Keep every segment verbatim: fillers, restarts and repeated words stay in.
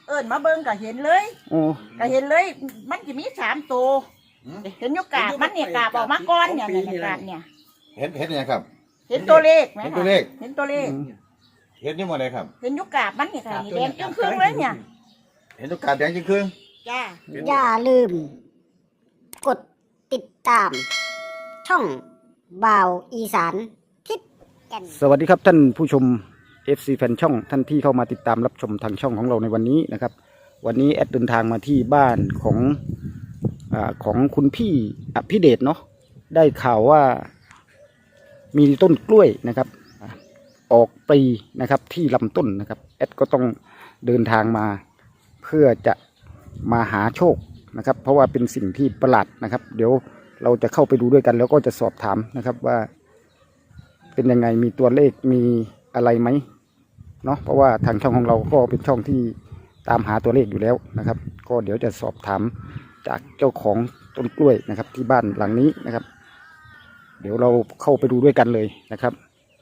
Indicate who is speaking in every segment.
Speaker 1: เอิญมาเบิ่งก็เห็นเลย
Speaker 2: โอ้
Speaker 1: ก็เห็นเลยมันจะมีสามตัวเห็นอยู่กาบมันเนี่ยกาบออกมาก้อนเนี่ยเนี่ยกาบเนี่ย
Speaker 3: เห็นเห็นยังครับ
Speaker 1: เห็นตัวเลขไหม
Speaker 3: เห็นตัวเลข
Speaker 1: เห็นตัวเลข
Speaker 3: เห็นนี่หมดเลยครับ
Speaker 1: เห็นอยู่กาบมันเนี่ยค่ะแดงจึ้งครึ่งเลยเนี่ย
Speaker 3: เห็นตัวกาบแดงจึ้งครึ่ง
Speaker 1: จ้า
Speaker 4: อย่าลืมกดติดตามช่องบ่าวอีสานทิศแก่น
Speaker 2: สวัสดีครับท่านผู้ชม เอฟ ซี แฟนช่องท่านที่เข้ามาติดตามรับชมทางช่องของเราในวันนี้นะครับวันนี้แอดเดินทางมาที่บ้านของอ่าของคุณพี่อภิเดชเนาะได้ข่าวว่ามีต้นกล้วยนะครับออกปลีนะครับที่ลำต้นนะครับแอดก็ต้องเดินทางมาเพื่อจะมาหาโชคนะครับเพราะว่าเป็นสิ่งที่ประหลาดนะครับเดี๋ยวเราจะเข้าไปดูด้วยกันแล้วก็จะสอบถามนะครับว่าเป็นยังไงมีตัวเลขมีอะไรไหมเนาะเพราะว่าทางช่องของเราก็เป็นช่องที่ตามหาตัวเลขอยู่แล้วนะครับก็เดี๋ยวจะสอบถามจากเจ้าของต้นกล้วยนะครับที่บ้านหลังนี้นะครับเดี๋ยวเราเข้าไปดูด้วยกันเลยนะครับ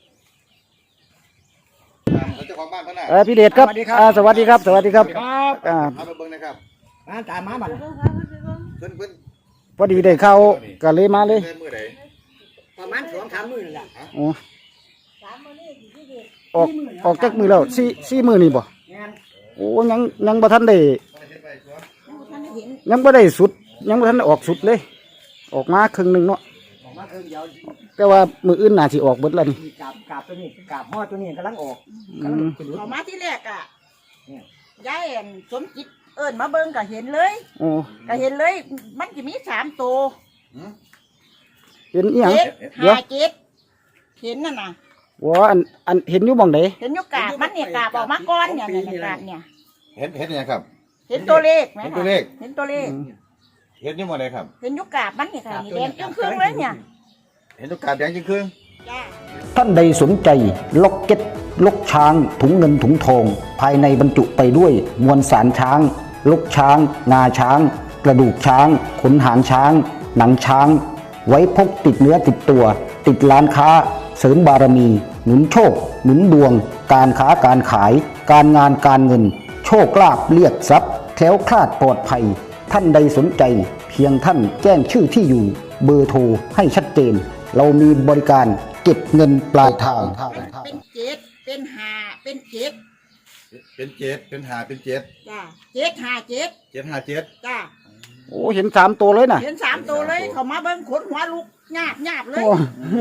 Speaker 3: เจ้าของบ้านเพื่อนน่ะ
Speaker 2: เออพี่เดชครับสวัสดีครับสวัสดีครับ
Speaker 3: ครับอ่ามาเบิ่งนะครับ
Speaker 5: มาตามมาบัด
Speaker 3: เพิ่นเพิ่น
Speaker 2: พอดีได้เข้าก็เลยมาเลย
Speaker 5: ประมาณสองสามมื้อนั่นแหละ
Speaker 2: โอ้ออกออกจากมือแล้วสี่สี่มือนี่บ่โอ้ยังยังบ่ทันได้ยังบ่ได้สุดยังบ่ทันได้ออกสุดเลยออกมาครึ่งนึงเนาะ
Speaker 5: ออกมาครึ่งเดียว
Speaker 2: แต่ว่ามืออื่นน่าสิออกเบิดแล้วนี่
Speaker 5: กาบกาบตัวนี้กาบห่อตัวนี้กำลังออก
Speaker 2: กำลัง
Speaker 1: ออกมาที่แรกอ่ะยายสมจิตเอิญมาเบิ่งก็เห็นเลย
Speaker 2: โอ้
Speaker 1: ก็เห็นเลยมันจะมีสามตัว
Speaker 2: เห็นอีหยัง
Speaker 1: เดี๋ยวห้าเจ็ดเห็นนั่นน่ะ
Speaker 2: ว่าอันอันเห็นอยู่บ่งไหน
Speaker 1: เห็นอยู่กาบมันเนี่ยกาบออกมาก้อนเนี่ยเนี่ยกาบเนี่ย
Speaker 3: เห็นเห็นยังครับ
Speaker 1: เห็นตัวเลขไหม
Speaker 3: เห็นตัวเลข
Speaker 1: เห็นตัวเลข
Speaker 3: เห็นนี่หมดเลยครับ
Speaker 1: เห็นอยู่กาบมันเนี่ยค่ะแดงจึ้งครึ่งเลยเนี่ย
Speaker 3: เห็นตัวกาบแดงจึ้งครึ่ง
Speaker 2: ท่านใดสนใจล็อกเก็ตลกช้างถุงเงินถุงทองภายในบรรจุไปด้วยมวลสารช้างลกช้างงาช้างกระดูกช้างขนหางช้างหนังช้างไว้พกติดเนื้อติดตัวติดร้านค้าเสริมบารมีหนุนโชคหนุนดวงการค้าการขายการงานการเงินโชคลาภเรียกทรัพย์แคล้วคลาดปลอดภัยท่านใดสนใจเพียงท่านแจ้งชื่อที่อยู่เบอร์โทรให้ชัดเจนเรามีบริการเก็บเงินปลายทาง
Speaker 1: เป็นเจ็ดเป็นห้าเป็นเจ็ด
Speaker 3: เป็นเจ็ดเป็นห้าเป็นเจ็ด
Speaker 1: จ้าเจ็ดห้าเจ็ด
Speaker 3: เจ็ดห้าเจ็ด
Speaker 1: จ้า
Speaker 2: โอ้เห็นสามตัวเลยนะ
Speaker 1: เห็นสามตัวเลยเขามาเบิ้งขนหัวลุกหยาบหยาบเลย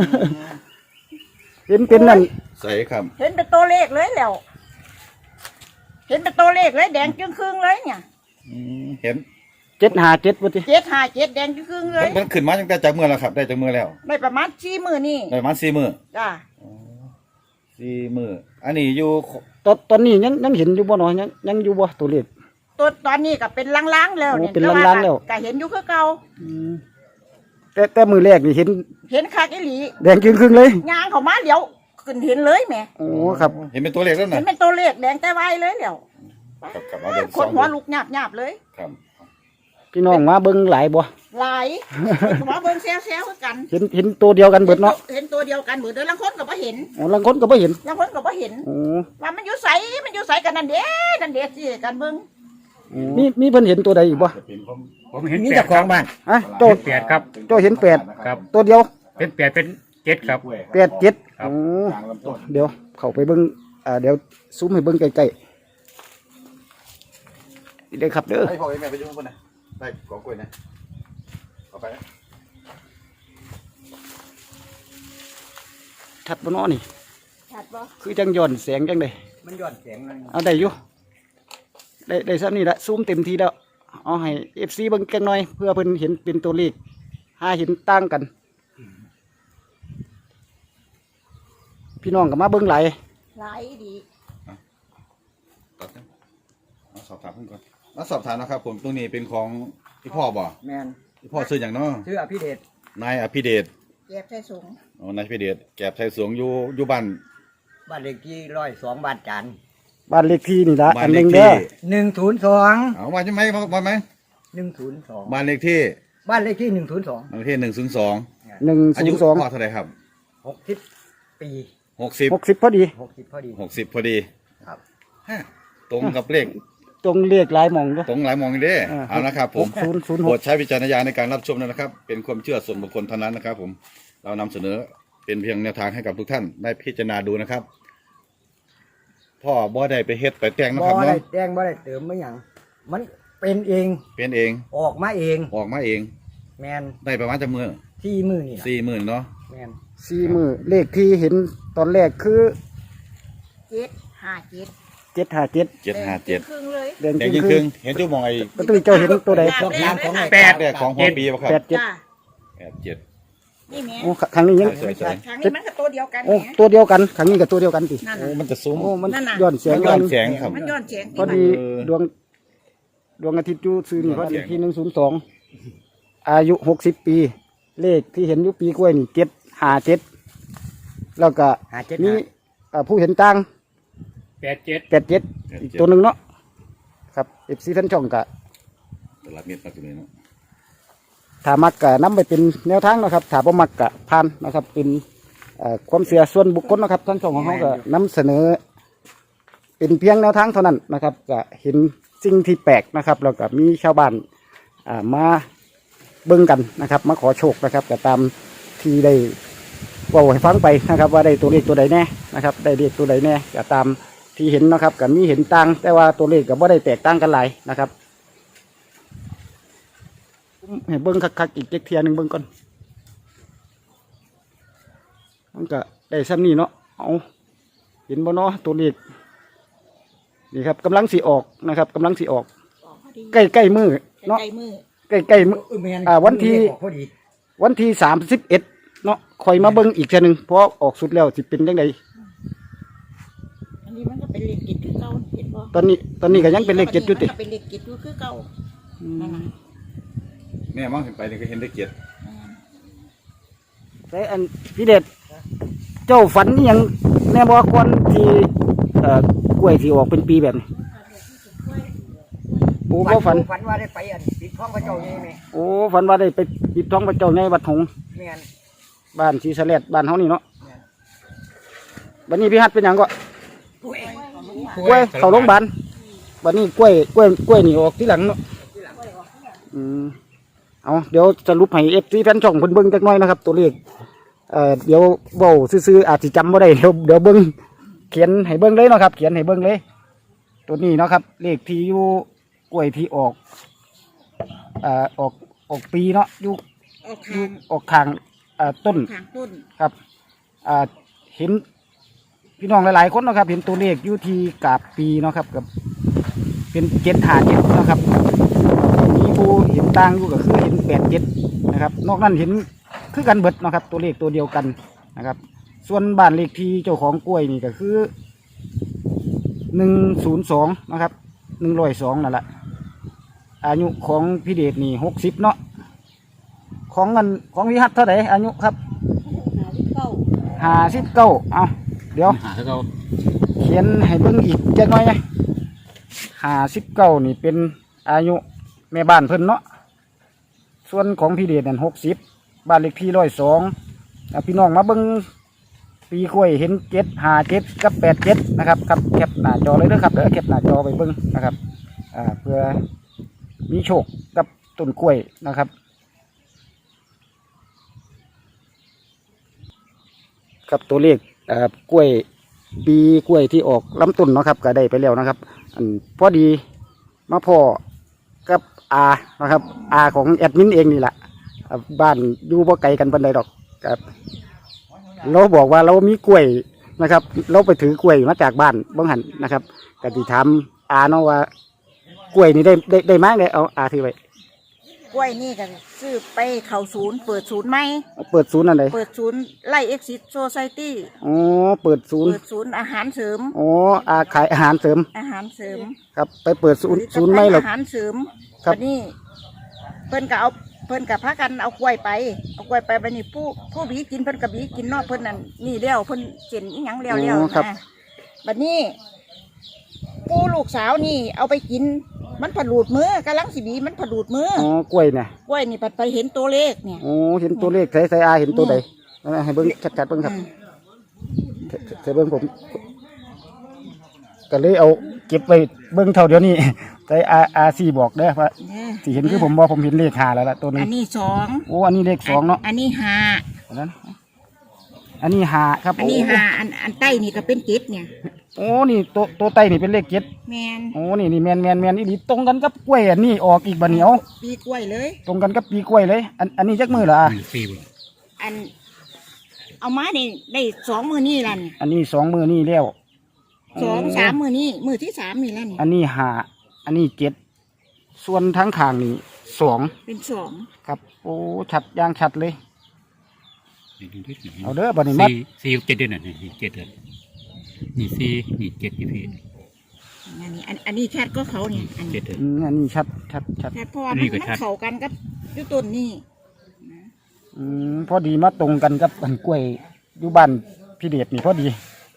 Speaker 2: เห็นเป็นนั่น
Speaker 3: ใส่ครับ
Speaker 1: เห็นเป็นตัวเลขเลยแล้วเห็นเป็นตัวเลขเลยแดงจึ้งครึ่งเลยเนี่ย
Speaker 3: เห็น
Speaker 2: เจ็ดห้าเจ็ดวันที่
Speaker 1: เจ็ดห้าเจ็ดแดงจึ้งครึ่งเลย
Speaker 3: มันขึ้นมาตั้งแต่จากมือแล้วครับได้จากมือแล้ว
Speaker 1: ได้ประมาณสี่มือนี่
Speaker 3: ได้ประมาณสี่มือ
Speaker 1: จ้า
Speaker 3: สี่มืออันนี้อยู่
Speaker 2: ตอนตอนนี้ยังยังเห็นอยู่บ่หนอยังยังอยู่บ่ตัวเลข
Speaker 1: ตัวตอนนี้ก็เป็นล้างๆแล้ว
Speaker 2: เนี่ยเป็นล้างๆแล้ว
Speaker 1: ก็เห็นอยู่คือเก่า
Speaker 2: แต่แต่มือแรกนี่เห็น
Speaker 1: เห็นคักอีหลี
Speaker 2: แดงครึ่งๆเลย
Speaker 1: ยางเขามาเดี๋ยวขึ้นเห็นเลยแหม
Speaker 2: โอ้ครับ
Speaker 3: เห็นเป็นตัวเลขแล้วนะ
Speaker 1: เห็นเป็นตัวเลขแดงแต่ไวเลยเดี๋ยวคนหัวลุกหยาบๆเลย
Speaker 3: ครับ
Speaker 2: พี่น้องมาเบิ่งหลายบ่
Speaker 1: หลายมาเบิ่งแซวๆกัน
Speaker 2: เห็นเห็นตัวเดียวกันเบิดเนาะ
Speaker 1: เห็นตัวเดียวกันเบิดเด้อลังคนก็บ่เห็น
Speaker 2: อ๋อลังคนก็บ่เห็น
Speaker 1: ลังคนก็บ่เห็นโอ้ว่ามันอยู่ไสมันอยู่ไสกันนั่นเด้นั่นเด้สิกันเบิ่ง
Speaker 2: มีมีเพิ่นเห็นตัวใดอีกบ่
Speaker 5: ผมเห็นแปดของบ้าน
Speaker 2: ฮะโจ้
Speaker 5: แปดครับ
Speaker 2: โจ้เห็นแปด
Speaker 5: ครับ
Speaker 2: ตัวเดียว
Speaker 5: เป็นแปดเป็นเจ็ดครับ
Speaker 2: แปดเจ็ดโอ้เดี๋ยวเข้าไปเบิ่งอ่าเดี๋ยวซูมให้เบิ่งใกล้ๆนี่เด้อครับเด้อ
Speaker 3: ให้พ่อให้แม่ไปอยู่ข้างบนนะได้กองกล้วยนะเอาไปนะ
Speaker 2: ชัดบ่น้อนี่
Speaker 1: ชัดบ่
Speaker 2: คือจังย้อนแสงจังได๋
Speaker 5: มันย้อนแสงเลย
Speaker 2: เอาได้อยู่ได้ได้ซ้ำนี่ละซูมเต็มทีแล้วเอาให้ เอฟ ซี เบิ่งจักหน่อยเพื่อเพิ่นเห็นเป็นตัวเลขหาเห็นต่างกันพี่น้องก็มาเบิ่งหลาย
Speaker 1: หลายดี
Speaker 3: มาสอบถามเพิ่นก่อนมาสอบถามนะครับผมตรงนี้เป็นของพี่พ่อบ่
Speaker 5: แม่น
Speaker 3: พี่พ่อซื้ออย่างเนาะ
Speaker 5: ชื่ออภิเดช
Speaker 3: นายอภิเดช
Speaker 1: แก็บไทยสง
Speaker 3: อ๋อนายอภิเดชแก็บไทยสงอยู่อยู่บ้าน
Speaker 5: บ้านเลขที่ร้อยสองบ้านจันทร์
Speaker 2: บ้านเลขที่นี่ละ
Speaker 3: อันหนึ่ง
Speaker 5: เด้อหนึ่งศูนย์สอง
Speaker 3: เอามาใช่ไหมมาไหม
Speaker 5: หนึ่งศูนย์สอง
Speaker 3: บ้านเลขที่
Speaker 5: บ้านเลขที่หนึ่งศูนย์สอง
Speaker 3: บ้านเลขที่หนึ่งศูนย์สอง
Speaker 2: หนึ่งศูนย์สอง
Speaker 3: พ่อเท่าไหร่ครับ
Speaker 5: หกสิบปี
Speaker 3: หกสิบ
Speaker 2: หกสิบพอดี
Speaker 5: หกสิบพอดี
Speaker 3: หกสิบพอดี
Speaker 5: ครับ
Speaker 3: ตรงกับเลข
Speaker 2: ตตรงเลขหลายหมองเนาะ
Speaker 3: ตรงหลายมองเด้
Speaker 2: อ่า
Speaker 3: เอานะครับผม
Speaker 2: ศูนย์ศูนย์ห
Speaker 3: โปร
Speaker 2: ก
Speaker 3: ดใช้วิจารณญาณในการรับชมนะครับ เป็นความเชื่อส่วนบุคคลเท่านั้นนะครับ ผมเรานำเสนอเป็นเพียงแนวทางให้กับทุกท่านได้พิจารณาดูนะครับ พ่อบ่ได้ไปเฮ็ดไปแต่งนะ
Speaker 5: บ่
Speaker 3: ครับ
Speaker 5: ได้
Speaker 3: เนาะ
Speaker 5: แจ้งบ่ได้เติมไม่หยังมันเป็นเอง
Speaker 3: เป็นเอง
Speaker 5: ออกมาเอง
Speaker 3: ออกมาเอง
Speaker 5: แมน
Speaker 3: ได้ประมาณจะมือ
Speaker 5: ที่มือนี่ล่ะ
Speaker 3: สี่หมื่นเนาะ
Speaker 5: แมน
Speaker 2: สี่มือเลขที่เห็นตอนแรกคือ
Speaker 1: เจ็ดห้าเจ็ด
Speaker 2: เจ็ดห้าเจ็ด
Speaker 3: เจ็ดห้าเจ็ด
Speaker 1: ครึ่งเลย
Speaker 2: แดง
Speaker 3: แต่
Speaker 2: จริ
Speaker 3: ยิ่
Speaker 2: ง
Speaker 3: ง
Speaker 2: คื
Speaker 3: ครึ่
Speaker 2: อง
Speaker 3: เห็นจุ๊บมองไอ้
Speaker 2: ก็ตุ้ยเจ้าเห็นตัวใด
Speaker 5: ชอบน้ำของไอ้
Speaker 3: แปดเนี่ยของหัวปีป่ะครับ
Speaker 2: แปดเจ็ด
Speaker 1: จ้า
Speaker 3: แปดเจ็ด
Speaker 1: นี่แม่
Speaker 2: โอ้ครั้งนี้ยัง
Speaker 3: สวย
Speaker 1: ครั้งนี้มันก็ตัวเดียวกัน
Speaker 2: โอ้
Speaker 1: แหม
Speaker 2: ตัวเดียวกันครั้งนี้กับตัวเดียวกันสิ
Speaker 1: นั่น
Speaker 3: โอ้
Speaker 1: น่ะ
Speaker 3: มันจะซุ้ม
Speaker 2: โอ้มัน
Speaker 1: นั่นน่ะ
Speaker 2: ย้อนแสง
Speaker 3: มันย้อนแสงครับ
Speaker 1: มันย้อนแสง
Speaker 2: พอดี
Speaker 3: เออ
Speaker 2: ดวงดวงอาทิตย์อยู่ซื้อนี่
Speaker 3: ย้
Speaker 2: พ
Speaker 3: อ
Speaker 2: อน
Speaker 3: แส
Speaker 2: ดี
Speaker 3: ง
Speaker 2: ที่หนึ่งศูนย์สองอายุหกสิบปี เลขที่เห็นอยู่ปีกล้วยนี่เจ็ดห้าเจ็ดแล้วก็
Speaker 5: หาเจ็ด
Speaker 2: มี
Speaker 5: หา
Speaker 2: เอ่อผู้เห็นต่าง
Speaker 5: แปดเจ็ด
Speaker 2: แปดเจ็ดอีกตัวหนึ่งเนาะครับเอฟซีท่านช่องกะ
Speaker 3: ตลาดเม็ดมาตรงนี้เนาะ
Speaker 2: ถ้ามักกะนำไปเป็นแนวทางนะครับถ้าบ่มักกะผ่านนะครับ เป็นเอ่อความเสียส่วนบุคคลนะครับท่านช่องของเขาก็นำเสนอ เป็นเพียงแนวทางเท่านั้นนะครับก็เห็นสิ่งที่แปลกนะครับ แล้วก็มีชาวบ้านอ่ามาเบิ่งกันนะครับ มาขอโชคนะครับก็ตามที่ได้เว่าให้ฟังไปนะครับ ว่าได้ตัวเลขตัวใดแน่นะครับ ได้เลขตัวใดแน่ก็ตามที่เห็นนะครับก็มีเห็นต่าง แต่ว่าตัวเลขก็บ่ได้แตกต่างกันหลายนะครับให้เบิ่งคักๆอีกเจ็กเทียหนึงเบิ่งก่อนมันก็ได้ซ้ำนี้เนาะเอาเห็นบ่เนาะตัวเลข นี่ครับกำลังสีออกนะครับกำลังสีออก
Speaker 1: ออกพอดี
Speaker 2: ใกล้ใกล้มือเนาะ
Speaker 1: ใกล้มือ
Speaker 2: ใกล้ใกล้มือ
Speaker 5: เออแมน
Speaker 2: อ่าวันที่
Speaker 5: ออกพอดี
Speaker 2: วันที่สามสิบเอ็ดเนาะคอยมาเบิ้งอีกเทีนึงเพราะออกสุดแล้วสิเป็นยังไง
Speaker 1: อันนี้มันก็เป็นเลขกิจคือเก่าเห็นบ่
Speaker 2: ตอนนี้ตอนนี้ก็ยังเป็นเลขเจ็ดอยู่ติ
Speaker 1: มันก็เป็นเลขกิจอยู่คือเก่านั่นน่ะ
Speaker 3: แม่มองเห็นไปนี่ก็เห็นได้เกียรติ
Speaker 2: แต่อันพี่เด็ดเจ้าฝันนี่ยังแน่บอกก่อนที่เอ่อกล้วยที่ออกเป็นปีแบบนี้โอ้บ่ฝัน
Speaker 5: ฝันว่าได้ไปอันปิดท้องพระเจ้าใหญ่ไหม
Speaker 2: โอ้ฝันว่าได้ไปปิดท้องพระเจ้าในวัดหงส์
Speaker 5: แมน
Speaker 2: บ้านศรีสะเลดบ้านเฮานี่เนาะ
Speaker 5: แม่น
Speaker 2: วันนี้พี่ฮัดเป็นหยังก็
Speaker 5: ป่วย
Speaker 2: กล้วยเข้าโรงพยาบาลวันนี้กล้วยกล้วยกล้วยนี่ออกที่หลังเนาะอืมเอาเดี๋ยวสรุปให้เอฟซีแฟนช่องเพิ่นเบิ่งจักหน่อยนะครับ ตัวเลขเอ่อเดี๋ยวเว้าซื่อๆอาจสิจำบ่ได้เดี๋ยวเดี๋ยวเบิ่งเขียนให้เบิ่งเลยเนาะครับ เขียนให้เบิ่งเลย ตัวนี้เนาะครับ เลขที่อยู่กล้วยที่ออกเอ่อออกออกปีเนาะอยู่
Speaker 1: ออก
Speaker 2: อยู่
Speaker 1: ทาง
Speaker 2: ออกทางเอ่อต้น
Speaker 1: ทางต้น
Speaker 2: ครับอ่าเห็นพี่น้องหลายๆคนเนาะครับ เห็นตัวเลขอยู่ที่กาบปีเนาะครับกับเป็นเจ็ดหาเจ็ดนาะครับมีผู้เห็นต่างอยู่ก็คือเห็นแปดเจ็ดนะครับ นอกนั้นเห็นคือกันเบิดเนาะครับ ตัวเลขตัวเดียวกันนะครับ ส่วนบ้านเลขที่เจ้าของกล้วยนี่ก็คือหนึ่งศูนย์สองนะครับหนึ่งร้อยสองนั่นแหละอายุของพี่เดชนี่หกสิบเนาะของเงินของวิหัตเท่าไหร่อายุครับ
Speaker 1: หาที่เก่า
Speaker 2: ห้าสิบเก้าเอาเดี๋ยว
Speaker 3: หาให้เขา
Speaker 2: เขียนให้เบิ่งอีกจักหน่อยนะห้าสิบเก้านี่เป็นอายุแม่บ้านเพิ่นเนาะ ส่วนของพี่เดชนั่นหกสิบบ้านเลขที่ร้อยสองพี่น้องมาเบิ่งปีกล้วยเห็นเจ็ดห้าเจ็ดกับแปดเจ็ดนะครับครับแคปหน้าจอเลยเด้อครับเดี๋ยวแคปหน้าจอไปเบิ่งนะครับ อ่าเพื่อมีโชคกับต้นกล้วยนะครับ ครับตัวเลขเอ่อกล้วยปีกล้วยที่ออกลำต้นเนาะครับก็ได้ไปแล้วนะครับ อันพอดีมาพ่อกับอานะครับอาของแอดมินเองนี่แหละอ่าบ้านอยู่บ่ไกลกันปานใดดอกครับเราบอกว่าเรามีกล้วยนะครับ เราไปถือกล้วยมาจากบ้านบ้งหันนะครับก็ติถามอาเนาะว่ากล้วยนี่ได้ได้ได้มากเลยเอาอาถือไว้
Speaker 1: กล้วยนี่กันซื้อไปเข้าศูนย์เปิดศูนย์ไหม
Speaker 2: เปิดศูนย์อันใด
Speaker 1: เปิดศูนย์ไล่เอ็กซิสโซไซตี้
Speaker 2: อ๋อเปิดศูนย์
Speaker 1: เปิดศูนย์อาหารเสริม
Speaker 2: อ๋ออาขายอาหารเสริม
Speaker 1: อาหารเสริม
Speaker 2: ครับ ไปเปิดศูนย์ศูนย์ไม่หรอก
Speaker 1: อาหารเสริม
Speaker 2: ครับ
Speaker 1: วันนี้เพิ่นก็เอาเพิ่นกับพากันเอากล้วยไปเอากล้วยไปวันนี้ผู้ผู้บีกินเพิ่นกับบีกินเนอกเพิ่นนั่นนี่เลี้ยวเพิ่นเจนอีหยังเลี้ยวเลี้ยวนะบัดนี้ผู้ลูกสาวนี่เอาไปกินมันผลูดมือกำลังสิบีมันผลูดมือ
Speaker 2: อ๋อกล้วยเนี่ย
Speaker 1: กล้วยนี่ปัดไปเห็นตัวเลขเนี่ย
Speaker 2: โอ้เห็นตัวเลขใส่ใส่อาเห็นตัวใดให้เบิ้งชัดๆเบิ้งครับ
Speaker 1: อืม
Speaker 2: ใส่เบิ้งผมก็เลยเอาเก็บไว้เบิ่งเท่าเดี๋ยวนี้แต่อาอาซีบอกเด้อว่า
Speaker 1: เนี่ย
Speaker 2: สิเห็นคือผมว่าผมเห็นเลขหาแล้วล่ะตัวหนึ
Speaker 1: อั
Speaker 2: ง
Speaker 1: นนี้สอง
Speaker 2: โอ้อันนี้เลขสองเนาะ
Speaker 1: อันนี้ห้า
Speaker 2: อันนั้นอันนี้หาครับ
Speaker 1: อันนี้ห้าอันอันใต้นี่ก็เป็นเจ็ดเนี่ย
Speaker 2: โอ้นี่ตัวตัวไตนี่เป็นเลขเจ็ด
Speaker 1: แมน
Speaker 2: โอ้นี่นี่แมนแมนแมนอีหลีตรงกันกับกล้วยอันนี้ออกอีกบัดเหนียว
Speaker 1: ปีกล้วยเลย
Speaker 2: ตรงกันกับปีกล้วยเลย อันอันนี้จักมือเหรออ่ะ
Speaker 5: สี่บ่
Speaker 1: อัน เอามานี่ได้สองมือนี่ละนี่
Speaker 2: อันนี้สองมือนี่แล้ว
Speaker 1: สองสามมือนี่มือที่สามนี่แล้วนี่
Speaker 2: อันนี้หาอันนี้เจ็ดส่วนทั้งข้างนี่สอง
Speaker 1: เป็นสอง
Speaker 2: ครับ โอ้ชัดย่างชัดเลย
Speaker 5: นี่ดูดิ
Speaker 2: เอาเด้อบัดนี้มัด
Speaker 5: สี่สี่กับเจ็ดเดือนน่ะนี่เจ็ดเดือนนี่สี่นี่เจ็ดนี่พี่
Speaker 1: อันนี้อันอันนี้แคทก็เขาเนี่ยอัน
Speaker 5: เจ็
Speaker 1: นี้
Speaker 5: ดเดือน
Speaker 2: อืมอันนี้ชัดชัดชัด
Speaker 1: แคทเพราะว่า
Speaker 5: อัน
Speaker 1: มั
Speaker 5: นี้
Speaker 1: น
Speaker 5: ก็
Speaker 1: มัน
Speaker 5: ชัด
Speaker 1: เข้ากันกับอยุต้นนี่
Speaker 2: อืมพอดีมาตรงกันกับอันกล้วยอยู่บ้านพี่เดชนี่พอดี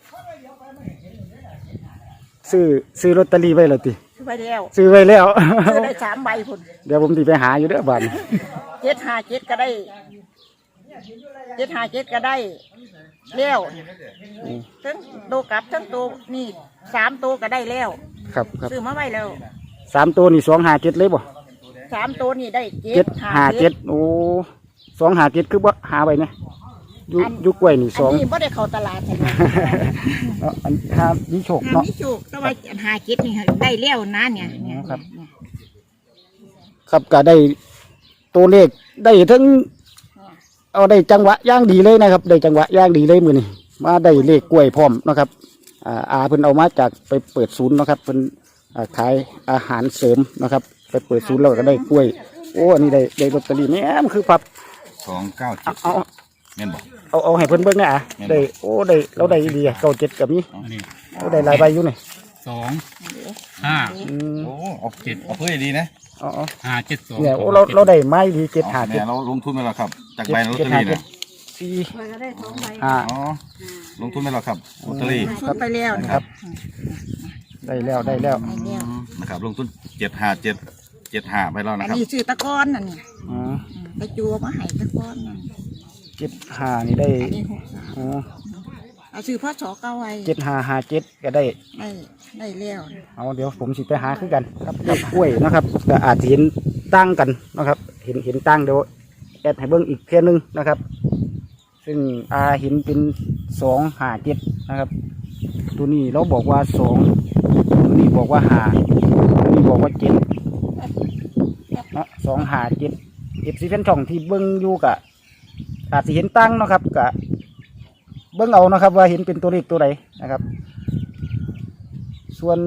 Speaker 2: ซื้อซื้อลอตเตอรี่ไว้แล้วติ
Speaker 1: ซื้อไปแล้ว
Speaker 2: ซื้อไว้แล้ว
Speaker 1: ซื้อได้สามใบพุ่น
Speaker 2: เดี๋ยวผมติไปหาอยู่เด้อบ้าน
Speaker 1: เจ็ดห้าเจ็ดก็ได้เจ็ดห้าเจ็ดก็ได้แล้วทั้งโตวกลับทั้งตัวนี่สามตัวก็ได้แล้ว
Speaker 2: ครับครับ
Speaker 1: ซื้อมาไว้แล้ว
Speaker 2: สามตัวนี่สองหาเจ็ดเลยบ่
Speaker 1: สามตัวนี่ได้เจ็
Speaker 2: เจ็
Speaker 1: ด
Speaker 2: ด
Speaker 1: ห้า
Speaker 2: หา
Speaker 1: เจ็
Speaker 2: เจ็
Speaker 1: ด
Speaker 2: ดโอ้สองหาเจ็ดคือบ่หาไปเนี่ยอยู่อยู่กล้วยนี่ส
Speaker 1: อั
Speaker 2: อน ง
Speaker 1: นี้ไม่ได้เข้าตลาดใช่ไหม
Speaker 2: เนาะอันถ้ามีโชค
Speaker 1: ทาง
Speaker 2: เนาะ
Speaker 1: นี้โชคแต่ว่าหาเจ็ดนี่ได้แล้วนะเนี่ยเนี่ย
Speaker 2: ครับ ครับก็ได้ตัวเลขได้ทั้งเอาได้จังหวะย่างดีเลยนะครับ ได้จังหวะย่างดีเลยมือนี่มาได้เลขกล้วยพร้อมเนาะครับอ่าอาเพิ่นเอามาจากไปเปิดศูนย์เนาะครับเพิ่นอ่าขายอาหารเสริมนะครับ ไปเปิดศูนย์แล้วก็ได้กล้วย โอ้อันนี้ได้ได้ลอตเตอรี่แม่มคือพับ
Speaker 3: สองเก้าเจ็ด
Speaker 2: เอาเอา
Speaker 3: แม่นบอก
Speaker 2: เอาเอาให้เพิ่นเบิ่งนะอ่ะได้โอ้ได้เราได้ดีเก้าเจ็ดกับนี้
Speaker 5: อันนี้
Speaker 2: เราได้หลายใบอยู่นี่
Speaker 5: สองห้า
Speaker 2: อืม
Speaker 3: โอ้เอาเจ็ดเอาเพื่อดีนะ
Speaker 2: เอาเอา
Speaker 5: ห้าเจ็ดสอง
Speaker 2: เนี่ยโอ้เราเราได้ไม้ดีเจ็ดหา
Speaker 3: แม่
Speaker 2: เจ็ด
Speaker 3: เราลงทุนไปแล้วครับ จาก
Speaker 2: เจ็ด
Speaker 3: ใบลอต
Speaker 2: เจ็
Speaker 3: เต
Speaker 2: ด
Speaker 3: อ
Speaker 2: หา
Speaker 3: รี่
Speaker 2: เจ็ด
Speaker 3: นะ
Speaker 2: สี่
Speaker 1: ก็ได้สองใบ
Speaker 2: ห้า
Speaker 3: อ๋อลงทุนไปแล้วครับลอตเตอรี่
Speaker 1: ชุดไปแล้วนะ
Speaker 2: ค
Speaker 1: ค
Speaker 2: รั
Speaker 1: รับ บ
Speaker 2: ได้แล้วได้แล้ว
Speaker 1: ได้แล้ว
Speaker 3: นะครับลงทุนเจ็ดห้าเจ็ดเจ็ดห้าไปแล้ว
Speaker 1: อั
Speaker 3: นะ
Speaker 1: น
Speaker 3: ครับ
Speaker 1: นี้ซื้อตะกอนนั่นนี่
Speaker 2: อ๋อ
Speaker 1: ไปจัวมาให้ตะกอนนั่น
Speaker 2: เจ็ดห้านี่ได้
Speaker 1: อันนี้หกสาม
Speaker 2: อ๋อ
Speaker 1: เอาซื้อพ่อสอเก้าไว้
Speaker 2: เจ็ดห้าห้าเจ็ดก็ได้
Speaker 1: ได้ได้แล้ว
Speaker 2: เอาเดี๋ยวผมสิไปหาคือกันครับเลขกล้วยนะครับก็อาจจะเห็นตั้งกันนะครับ เห็นเห็นตั้งเดี๋ยวแอดให้เบิ้งอีกเพียงหนึงนะครับ ซึ่งอาเห็นเป็นสองห้าเจ็ดนะครับ ตัวนี้เราบอกว่าสองตัวนี้บอกว่าห้าตัวนี้บอกว่าเจ็ดเนาะสองห้าเจ็ดเอฟซีแฟนช่องที่เบิ้งอยู่กะอาจจะเห็นตั้งเนาะครับกะเบิ้งเอานะครับ ว่าเห็นเป็นตัวเลขตัวใดนะครับ ส่วน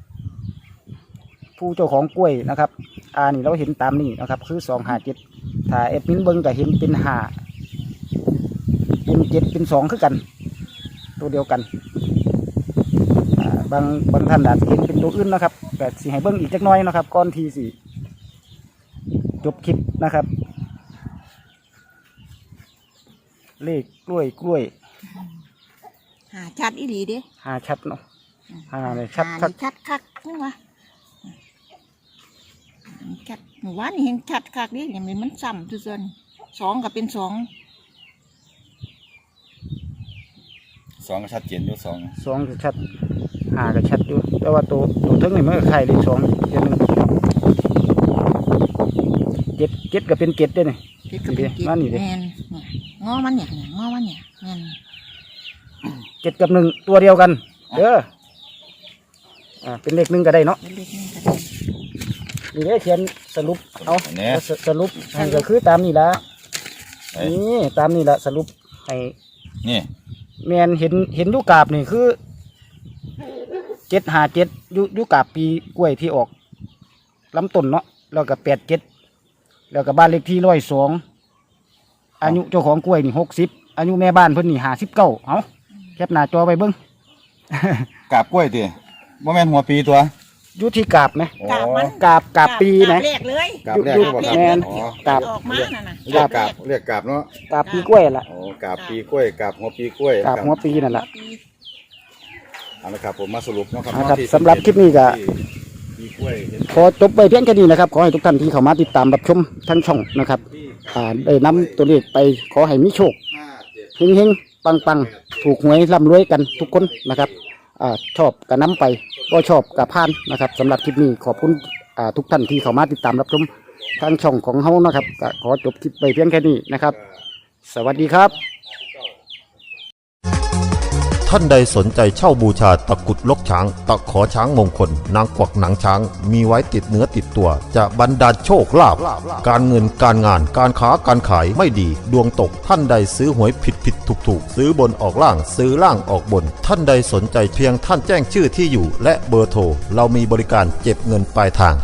Speaker 2: ผู้เจ้าของกล้วยนะครับอ่านี่เราเห็นตามนี่นะครับ คือสองห้าเจ็ดถ้าเอฟมินเบิ้งก็เห็นเป็นห้าเป็นเจ็ดเป็นสองคือกัน ตัวเดียวกันอ่าบางบางท่านอาจจะเห็นเป็นตัวอื่นนะครับแต่สิให้เบิ้งอีกจักหน้อยนะครับก่อนทีสิจบคลิปนะครับ เลขกล้วยกล้วย
Speaker 1: หาชัดอีหลีเด้
Speaker 2: หาชัดเนาะหาเลยชัด
Speaker 1: หา
Speaker 2: ชัด
Speaker 1: นี่ชัดคักนี่วะชัดหมู่บ้านนี่เห็นชัดคักนี่อย่างนี้มันซ้ำทุกส่วนสองก็เป็นสอง
Speaker 3: สองก็ชัดเจนอยู่สอง
Speaker 2: สองก็ชัดหาก็ชัดอยู่แต่ว่าตัวตัวเทั้งนี่มันก็ไข่เลขสองเจ็ดหนึ่งเจ็ดเจ็ดก็เป็นเจ็ดด้วยนี่
Speaker 1: เจ็ดก็เป็น
Speaker 2: นี่ดิ
Speaker 1: เจ็ด
Speaker 2: มานี่ดิ
Speaker 1: แมนเนี่ยงอมันเนี่ยเนี่ยงอมันเนี่ยแมน
Speaker 2: เจ็ดกับหนึ่งตัวเดียวกันเด้ออ่าเป็นเลขหนึ่งก็ได้เนาะ
Speaker 1: เป็นเลขนี้ก็ได้
Speaker 2: นี่ได้เขียนสรุปเอา
Speaker 3: เนี่ย
Speaker 2: สสรุปให้ก็คือตามนี่ละ
Speaker 3: เอ้ย
Speaker 2: นี่ตามนี่ละสรุปให้
Speaker 3: นี่
Speaker 2: แมนเห็นเห็นอยุกาบนี่คือเจ็ดหาเจ็ดยุยุกาบปีกล้วยที่ออกลำต้นเนาะแล้วก็แปดเจ็ดแล้วก็บ้านเลขที่ร้อยสองอายุเจ้าของกล้วยนี่หกสิบอายุแม่บ้านเพิ่นนี่ห้าสิบเก้าเอาแคปหน้าจอไปเบิ้ง
Speaker 3: กาบกล้วยติบ่แม่นหัวปีตัว
Speaker 2: อยุที่กาบไหม
Speaker 1: กาบมัน
Speaker 2: กาบกาบปีนะ
Speaker 1: กาบแรกเลย
Speaker 3: กาบแรก
Speaker 2: ยุ
Speaker 3: ที่บอก
Speaker 1: แร
Speaker 3: ค
Speaker 1: ก
Speaker 3: รับ
Speaker 2: แม่น
Speaker 3: อ๋อ
Speaker 2: กาบ
Speaker 1: ออกมาน่ะนะ
Speaker 3: เรียกกาบเรียกกาบเนาะ
Speaker 2: กาบปีกล้วยล่ะ
Speaker 3: โอ้กาบปีกล้วยกาบหัวปีกล้วย
Speaker 2: กาบหัวปีนั่นแหละ
Speaker 3: เอาละครับผมมาสรุปเนาะครับ
Speaker 2: นะครับ
Speaker 3: ที่
Speaker 2: สำหรับคลิปนี้ก็
Speaker 3: ที่ปีกล้วยเห็น
Speaker 2: ขอจบไปเพียงแค่นี้นะครับ ขอให้ทุกท่านที่เข้ามาติดตามรับชมทั้งช่องนะครับอ่าได้นำตัวเลขไปขอให้มีโชค
Speaker 3: ห้าเจ็ด
Speaker 2: เฮงๆ ปังๆ ถูกหวยร่ำรวยกันทุกคนนะครับอ่าชอบกับน้ำไปก็ชอบกับพานนะครับสำหรับคลิปนี้ขอบคุณอ่าทุกท่านที่เข้ามาติดตามรับชมทางช่องของเฮานะครับก็ขอจบคลิปไปเพียงแค่นี้นะครับ สวัสดีครับ
Speaker 6: ท่านใดสนใจเช่าบูชาตะกรุดลกช้าง ตะขอช้างมงคล นางกวักหนังช้าง มีไว้ติดเนื้อติดตัว จะบรรดาลโชคลาภการเงินการงานการค้าการขายไม่ดี ดวงตกท่านใดซื้อหวยผิดผิดถูกถูกซื้อบนออกล่างซื้อล่างออกบน ท่านใดสนใจเพียงท่านแจ้งชื่อที่อยู่ และเบอร์โทรเรามีบริการเก็บเงินปลายทาง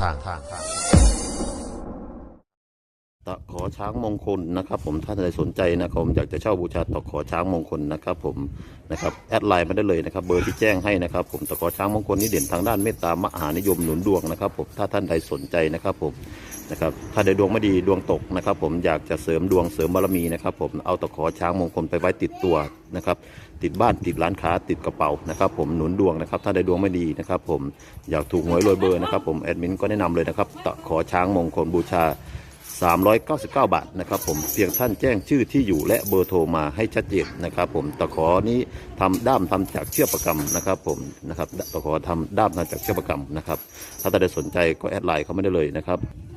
Speaker 6: ตะขอช้างมงคลนะครับผมท่านใดสนใจนะครับผมอยากจะเช่าบูชาตะขอช้างมงคลนะครับผมนะครับแอดไลน์มาได้เลยนะครับเบอร์ที่แจ้งให้นะครับผมตะขอช้างมงคลนี้เด่นทางด้านเมตตามหานิยมหนุนดวงนะครับผมถ้าท่านใดสนใจนะครับผมนะครับถ้าใดดวงไม่ดีดวงตกนะครับผมอยากจะเสริมดวงเสริมบารมีนะครับผมเอาตะขอช้างมงคลไปไว้ติดตัวนะครับติดบ้านติดร้านค้าติดกระเป๋านะครับผมหนุนดวงนะครับถ้าใดดวงไม่ดีนะครับผมอยากถูกหวยรวยเบอร์นะครับผมแอดมินก็แนะนำเลยนะครับตะขอช้างมงคลบูชาสามร้อยเก้าสิบเก้า บาทนะครับผมเพียงท่านแจ้งชื่อที่อยู่และเบอร์โทรมาให้ชัดเจนนะครับผมตะขอนี้ทำด้ามทำจากเชือกประกำนะครับผมนะครับตะขอทำด้ามทำจากเชือกประกำนะครับถ้าท่านใดสนใจก็แอดไลน์เขาไม่ได้เลยนะครับ